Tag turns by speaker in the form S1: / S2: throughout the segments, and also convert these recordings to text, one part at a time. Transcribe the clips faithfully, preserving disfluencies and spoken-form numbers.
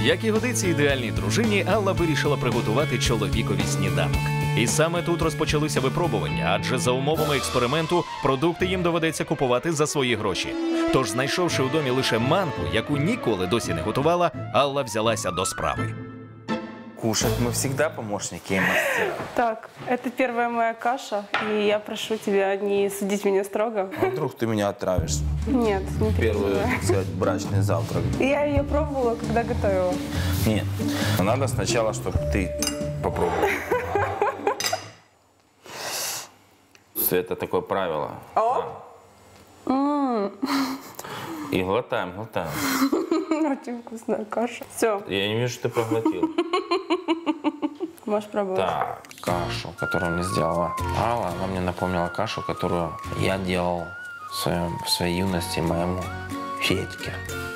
S1: Як і годиться ідеальній дружині, Алла вирішила приготувати чоловікові сніданок. І саме тут розпочалися випробування, адже за умовами експерименту продукти їм доведеться купувати за свої гроші. Тож, знайшовши у домі лише манку, яку ніколи досі не готувала, Алла взялася до справи.
S2: Кушать мы всегда помощники и мастера.
S3: Так, это первая моя каша, и я прошу тебя не судить меня строго.
S2: А вдруг ты меня отравишь?
S3: Нет, не
S2: Первый,
S3: переживай.
S2: так сказать, брачный завтрак.
S3: Я ее пробовала, когда готовила.
S2: Нет, надо сначала, чтобы ты попробовал. Это такое правило.
S3: О!
S2: И глотаем, глотаем.
S3: Очень вкусная каша. Все,
S2: Я не вижу, что ты проглотил.
S3: можешь пробовать.
S2: Так, кашу, которую мне сделала Алла, она мне напомнила кашу, которую я делал в, своем, в своей юности моему Федьке,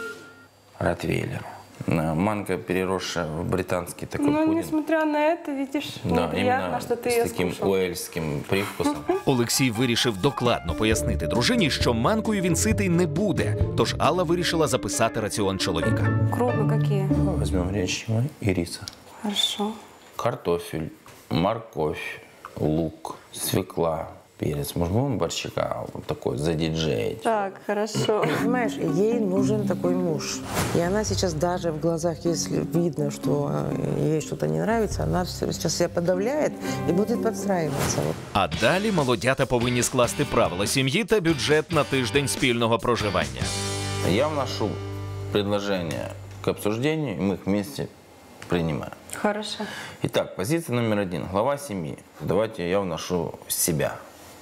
S2: ротвейлеру. Манка, переросшая в британский такой
S3: Но
S2: пудинг.
S3: несмотря на это, видишь,
S2: Да,
S3: мне приятно,
S2: именно
S3: что ты
S2: с
S3: ее
S2: таким
S3: скушал.
S2: уэльским привкусом.
S1: Олексій вирішив докладно пояснити дружині, що манкою він ситий не буде. Тож Алла вирішила записати раціон чоловіка.
S3: Крупы какие?
S2: Возьмем гречневый и риса.
S3: Хорошо.
S2: Картофель, морковь, лук, свекла, перец. Может, будем борщика вот такой задиджеить?
S3: Так, хорошо.
S4: Понимаешь, ей нужен такой муж. И она сейчас даже в глазах, если видно, что э, ей что-то не нравится, она всё- сейчас себя подавляет и будет подстраиваться. Вот.
S1: А далі молодята повинні скласти правила сім'ї та бюджет на тиждень спільного проживання.
S2: Я вношу предложение к обсуждению, и мы их вместе принимаем.
S3: Хорошо.
S2: Итак, позиция номер один. Глава семьи. Давайте я вношу себя.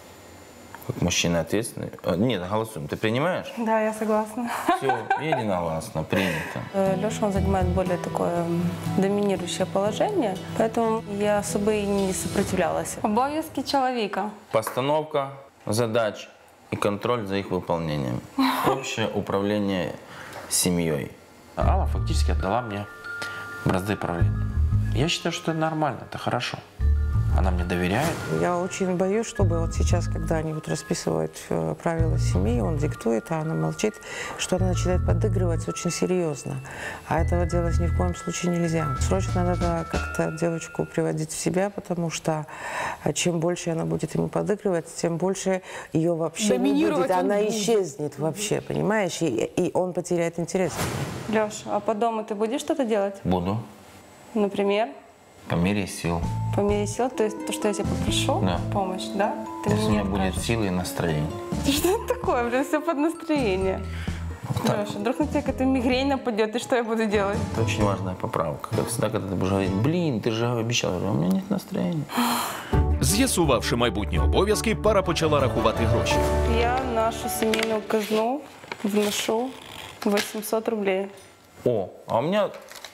S2: Как мужчина ответственный. А, Нет, голосуем. Ты принимаешь?
S3: Да, я согласна.
S2: Все, единогласно, принято.
S3: Леша, он занимает более такое м, доминирующее положение, поэтому я особо и не сопротивлялась. Обов'язки человека.
S2: Постановка задач и контроль за их выполнением. Общее управление семьей. Алла фактически отдала мне бразды правления. Я считаю, что это нормально, это хорошо. Она мне доверяет.
S4: Я очень боюсь, чтобы вот сейчас, когда они вот расписывают э, правила семьи, он диктует, а она молчит, что она начинает подыгрывать очень серьезно. А этого делать ни в коем случае нельзя. Срочно надо как-то девочку приводить в себя, потому что а, чем больше она будет ему подыгрывать, тем больше ее вообще не
S3: Доминировать
S4: будет.
S3: он
S4: Она
S3: будет.
S4: исчезнет вообще, понимаешь? И, и он потеряет интерес.
S3: Леша, а по дому ты будешь что-то делать?
S2: Буду.
S3: Например,
S2: По мере сил.
S3: по мере сил, то есть то, что я тебя попрошу,
S2: Да.
S3: помощь, да? Ты
S2: Если у
S3: мне не
S2: меня будет
S3: откажешь.
S2: силы и настроение.
S3: Что это такое, блин, все под настроение. Леша, вдруг на тебя какая-то мигрень нападет, и что я буду делать?
S2: Это очень важная поправка. Как всегда, когда ты будешь говорить, блин, ты же обещал. Я говорю, у меня нет настроения.
S1: З'ясувавши майбутні обов'язки, пара почала рахувати гроші.
S3: Я в нашу семейную казну вношу восемьсот рублей.
S2: О, а у меня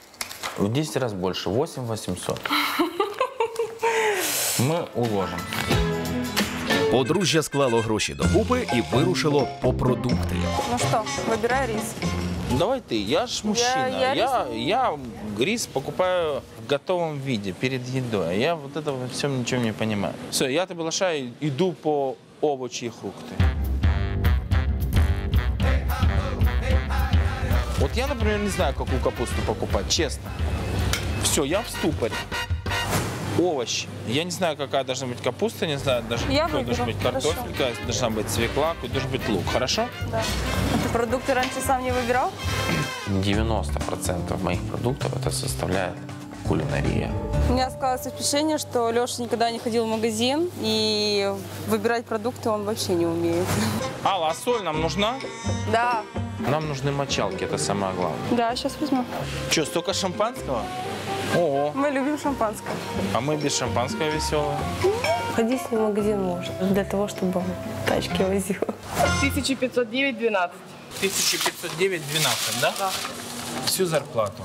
S2: в десять раз больше. восемь восемьсот. Мы уложим.
S1: Подружжя склало гроші докупи і вирушило по продукти.
S3: Ну что, выбирай рис.
S2: Давай ты, я ж мужчина.
S3: я
S2: Я, я, рис покупаю в готовом виде, перед едой. А я вот этого во всем ничего не понимаю. Все, я тебя приглашаю, иду по овощи и фрукты. Вот я, например, не знаю, какую капусту покупать, честно. Все, я в ступоре. Овощи. Я не знаю, какая должна быть капуста, не знаю, даже
S3: Я
S2: какой должен
S3: выберу,
S2: быть картофель, какая должна быть свекла, какой должен быть лук. Хорошо?
S3: Да. А ты продукты раньше сам не выбирал?
S2: девяносто процентов моих продуктов это составляет кулинария.
S3: У меня складывается впечатление, что Леша никогда не ходил в магазин, и выбирать продукты он вообще не умеет.
S2: Алла, а соль нам нужна?
S3: Да.
S2: Нам нужны мочалки, это самое главное.
S3: Да, сейчас возьму.
S2: Что, столько шампанского? Ого,
S3: Мы любим шампанское.
S2: а мы без шампанского веселые.
S3: Ходить с ним в магазин можно, для того, чтобы он тачки возил.
S5: тысяча пятьсот девять двенадцать.
S2: тысяча пятьсот девять двенадцать, да?
S5: Да.
S2: Всю зарплату.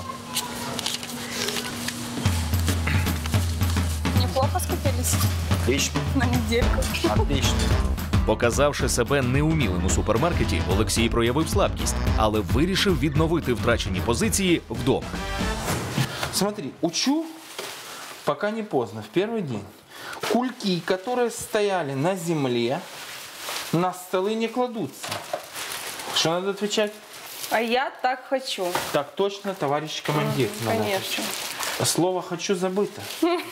S3: Неплохо скупились
S2: Отлично,
S3: на недельку.
S2: отлично.
S1: Показавши себе неумілим у супермаркеті, Олексій проявив слабкість, але вирішив відновити втрачені позиції вдома.
S2: Смотри, учу, пока не поздно, в первый день. Кульки, которые стояли на земле, на столы не кладутся. Что надо отвечать?
S3: А я так хочу.
S2: Так точно, товарищ командир. Надо.
S3: Конечно.
S2: Слово «хочу» забыто.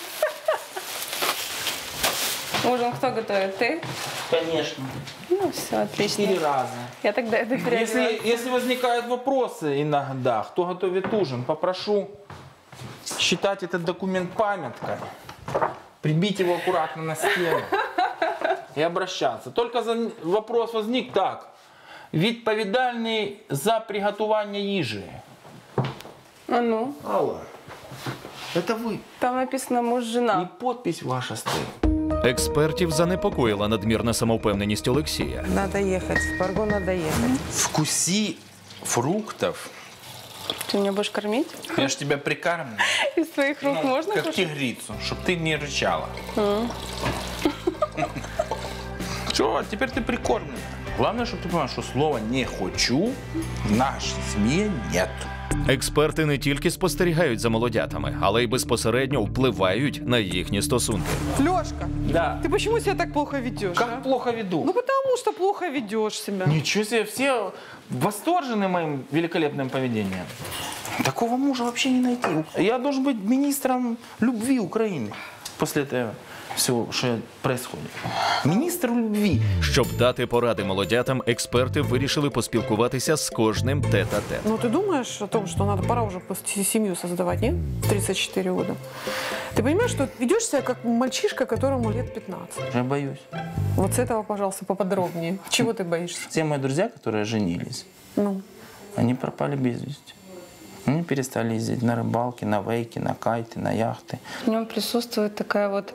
S3: Ужин кто готовит? Ты?
S2: Конечно.
S3: Ну, все, отлично.
S2: Четыре раза.
S3: Я тогда это переодеваю.
S2: Если, если возникают вопросы иногда, кто готовит ужин, попрошу считать этот документ памяткой, прибить его аккуратно на стену и обращаться. Только за вопрос возник так. Відповідальний за приготування їжі.
S3: А ну,
S2: Алла, это вы.
S3: там написано муж-жена.
S2: И подпись ваша стоит.
S1: Експертів занепокоїла надмірна самовпевненість Олексія.
S4: Надо ехать, в Парго надо ехать.
S2: Вкуси фруктов.
S3: Ты меня будешь кормить?
S2: Я ж тебя прикармлю.
S3: Из твоих рук
S2: Ну,
S3: можно
S2: как
S3: кушать?
S2: тигрицу, чтобы ты не рычала. Все, теперь ты прикормлена. Главное, чтобы ты понимал, что слова «не хочу» в нашей семье нет.
S1: Експерти не тільки спостерігають за молодятами, але й безпосередньо впливають на їхні стосунки.
S6: Лёшка,
S2: Да.
S6: ты почему себя так плохо ведешь?
S2: Как
S6: а?
S2: плохо веду.
S6: Ну потому что плохо ведешь себя.
S2: Ничего себе, все восторжены моим великолепным поведением. Такого мужа вообще не найти. Я должен быть министром любви Украины после этого всего, что происходит. Министр любви.
S1: Щоб дати поради молодятам, експерти вирішили поспілкуватися з кожним тет-а-тет.
S6: Ну ты думаешь о том, что надо пора уже пос- семью создавать, нет? В тридцать четыре года. Ты понимаешь, что ведешь себя как мальчишка, которому лет пятнадцать.
S2: Я боюсь.
S6: Вот с этого, пожалуйста, поподробнее. Чего ты боишься?
S2: Все мои друзья, которые женились,
S6: Ну,
S2: они пропали без вести. Они перестали ездить на рыбалки, на вейки, на кайты, на яхты.
S3: В нем присутствует такая вот,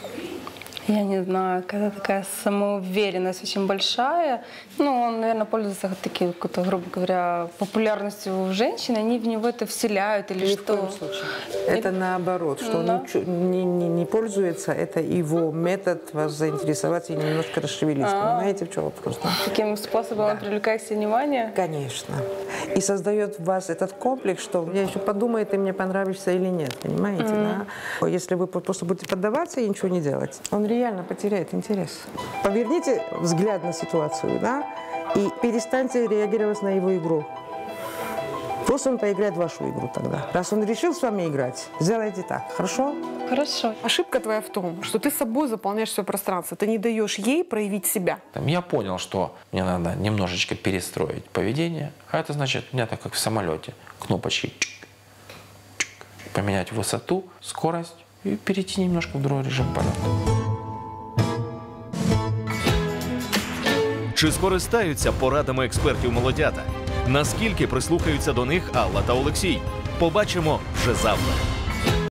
S3: я не знаю, какая такая самоуверенность очень большая. Ну, он, наверное, пользуется таким, какой-то, грубо говоря, популярностью у женщин. Они в него это вселяют или
S4: Ни в
S3: что?
S4: коем случае. Это наоборот, что
S3: Да.
S4: он ничего- не, не, не пользуется, это его метод вас заинтересовать и немножко расшевелить. Понимаете, в чем вопрос? Да?
S3: Таким способом он привлекает к себе внимание?
S4: Конечно. И создает в вас этот комплекс, что я еще подумаю, ты мне понравишься или нет, понимаете, да? Если вы просто будете поддаваться и ничего не делать, он реально потеряет интерес. Поверните взгляд на ситуацию, да, и перестаньте реагировать на его игру. Пусть он поиграет в вашу игру тогда. Раз он решил с вами играть, сделайте так, хорошо?
S3: Хорошо.
S6: ошибка твоя в том, что ты собой заполняешь все пространство. Ты не даешь ей проявить себя.
S2: Там, я понял, что мне надо немножечко перестроить поведение. А это значит, у меня так как в самолете. Кнопочки чик, чик, поменять высоту, скорость и перейти немножко в другой режим полета.
S1: Чи скористаються порадами експертів молодята? Наскільки прислухаються до них Алла та Олексій? Побачимо вже завтра.